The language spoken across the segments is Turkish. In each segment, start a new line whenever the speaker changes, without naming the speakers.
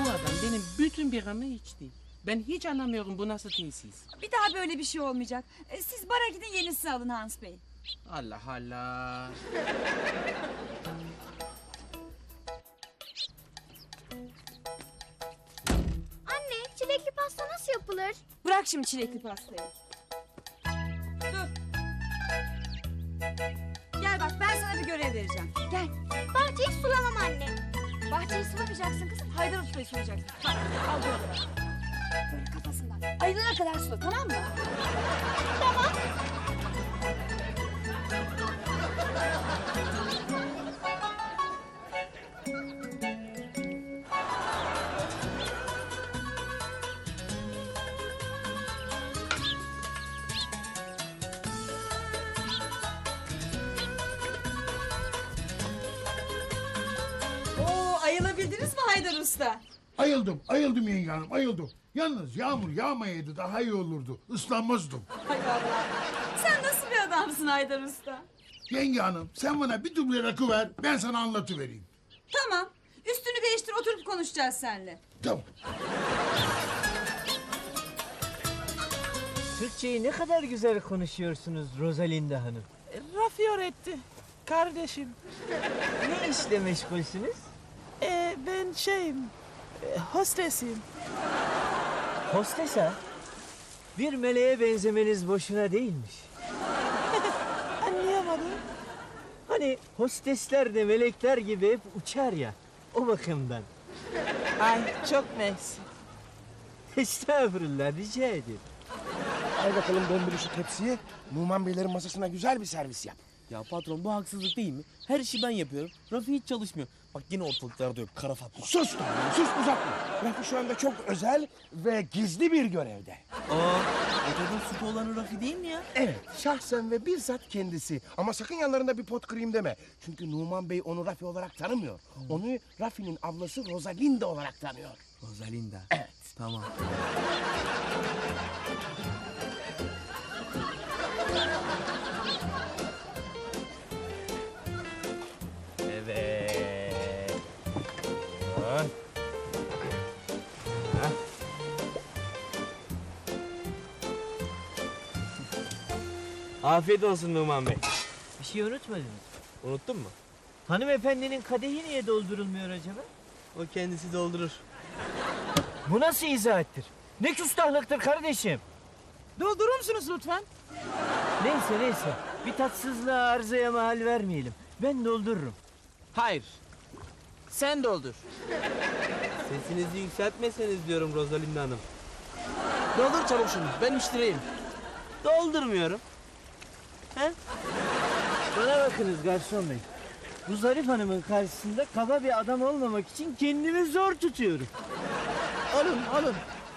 Bu adam benim bütün biramı içti. Ben hiç anlamıyorum bu nasıl tesis.
Bir daha böyle bir şey olmayacak. Siz bara gidin, yenisini alın Hans Bey.
Allah Allah.
Anne, çilekli pasta nasıl yapılır?
Bırak şimdi çilekli pastayı. Dur. Gel bak, ben sana bir görev vereceğim. Gel.
Bahçeyi sulamam anne.
Bahçeyi sulamayacaksın kızım. Haydar Usta'yı sulayacaksın. Hadi, al böyle. Böyle kafasından. Ayılana kadar sula, tamam mı?
Tamam.
Oo, ayılabildiniz mi Haydar Usta?
Ayıldım yenge hanım, ayıldım. Yalnız yağmur yağmayaydı daha iyi olurdu. Islanmazdım.
Hay Allah. Sen nasıl bir adamsın Haydar Usta?
Yenge hanım, sen bana bir duble rakı ver, ben sana anlatıvereyim.
Tamam. Üstünü değiştir, oturup konuşacağız seninle.
Tamam.
Türkçeyi ne kadar güzel konuşuyorsunuz Rosalinda Hanım.
Rafioretti. Kardeşim.
Ne işle meşgulsünüz?
Ben hostesim.
Hostes ha? Bir meleğe benzemeniz boşuna değilmiş.
Anlayamadım.
Hani hostesler de melekler gibi hep uçar ya. O bakımdan.
Ay çok mersi.
Estağfurullah, rica ederim.
Al bakalım döndür şu tepsiyi. Numan Beylerin masasına güzel bir servis yap.
Ya patron bu haksızlık değil mi? Her işi ben yapıyorum. Rafi hiç çalışmıyor. Bak yine ortalıklarda yok kara Fatma.
Sus Tanrım, sus uzatma. Rafi şu anda çok özel ve gizli bir görevde.
Ortada sütü olan Rafi değil mi ya?
Evet, şahsen ve bizzat kendisi. Ama sakın yanlarında bir pot kırayım deme. Çünkü Numan Bey onu Rafi olarak tanımıyor. Onu Rafi'nin ablası Rosalinda olarak tanıyor.
Rosalinda.
Evet.
Tamam.
Evet.
Afiyet olsun Numan Bey.
Bir şey unutmadınız.
Unuttun mu?
Hanımefendinin kadehi niye doldurulmuyor acaba?
O kendisi doldurur.
Bu nasıl izahattir? Ne küstahlıktır kardeşim?
Doldurur musunuz lütfen?
Neyse. Bir tatsızlığa arızaya mahal vermeyelim. Ben doldururum.
Hayır. Sen doldur.
Sesinizi yükseltmeseniz diyorum Rosalinda Hanım.
Doldur çabuk şunu. Ben müşteriyim.
Doldurmuyorum.
Bana bakınız garson bey. Bu zarif hanımın karşısında kaba bir adam olmamak için kendimi zor tutuyorum.
Alın.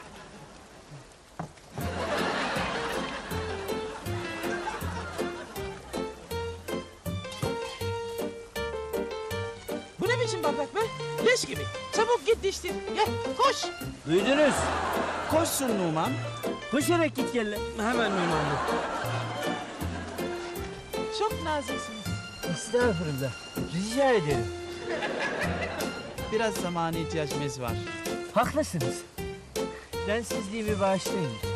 Bu ne biçim bardak be? Leş gibi. Çabuk git diştir. Gel koş.
Duydunuz.
Koşsun Numan.
Koşarak git gel lan.
Hemen Numan Bey.
Çok naziksiniz.
Estağfurullah. Rica ederim.
Biraz zamana ihtiyacımız var.
Haklısınız. Densizliğimi bağışlayın lütfen.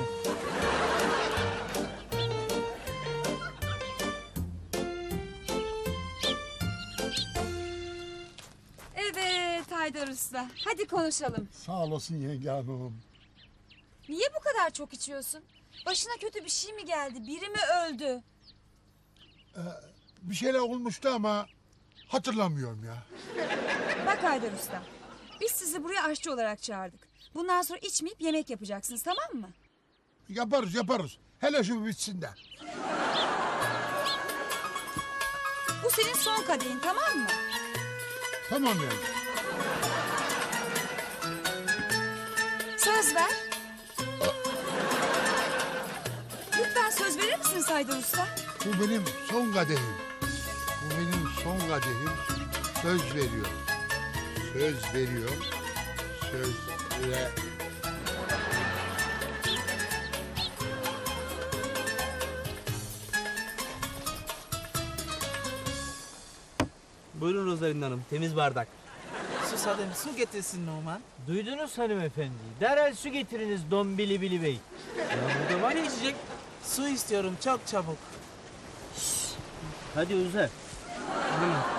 Evet Haydar Usta. Hadi konuşalım.
Sağ olasın yenge hanım.
Niye bu kadar çok içiyorsun? Başına kötü bir şey mi geldi? Biri mi öldü?
Bir şeyler olmuştu ama hatırlamıyorum ya.
Bak Haydar Usta. Biz sizi buraya aşçı olarak çağırdık. Bundan sonra içmeyip yemek yapacaksınız, tamam mı?
Yaparız. Hele şu bitsin de.
Bu senin son kadehin, tamam mı?
Tamam yenge.
Söz ver. Lütfen söz verir misiniz Haydar Usta?
Bu benim son kadehim. Söz veriyor. Söz ve...
Buyurun Rosalinda Hanım. Temiz bardak.
Sus
susadım. Su getirsin Numan.
Duydunuz hanımefendi. Derhal su getiriniz Don Bilibili Bey.
Ya burada var ya içecek. Su istiyorum çok çabuk.
Hadi uzat.
Buyurun.